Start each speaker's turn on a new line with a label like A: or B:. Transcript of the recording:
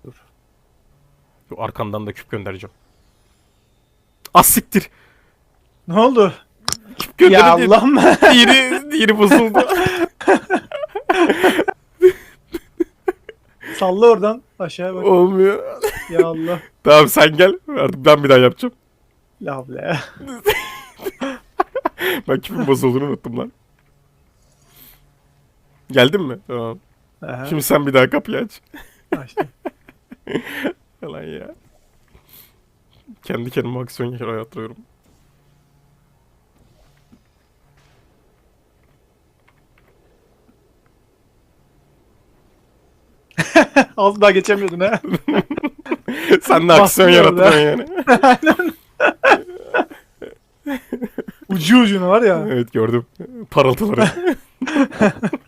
A: Dur.
B: Şu arkamdan da küp göndereceğim. Az siktir.
A: Ne oldu?
B: Küp
A: Ya
B: gönderince
A: Allah'ım.
B: diğeri bozuldu.
A: Salla oradan aşağıya bak.
B: Olmuyor.
A: Ya Allah.
B: Tamam sen gel. Artık ben bir daha yapacağım.
A: La havle ya.
B: Ben küpün bozulduğunu unuttum lan. Geldin mi? Tamam.
A: Aha,
B: Şimdi sen bir daha kapıyı aç.
A: açtım.
B: Yalan ya. Kendi kendime aksiyon yaratıyorum.
A: Az daha geçemiyordun ha.
B: Sen de aksiyon
A: Bastın orada.
B: yaratıyorsun yani.
A: Ucu ucuna var ya.
B: Evet gördüm. Parıltıları.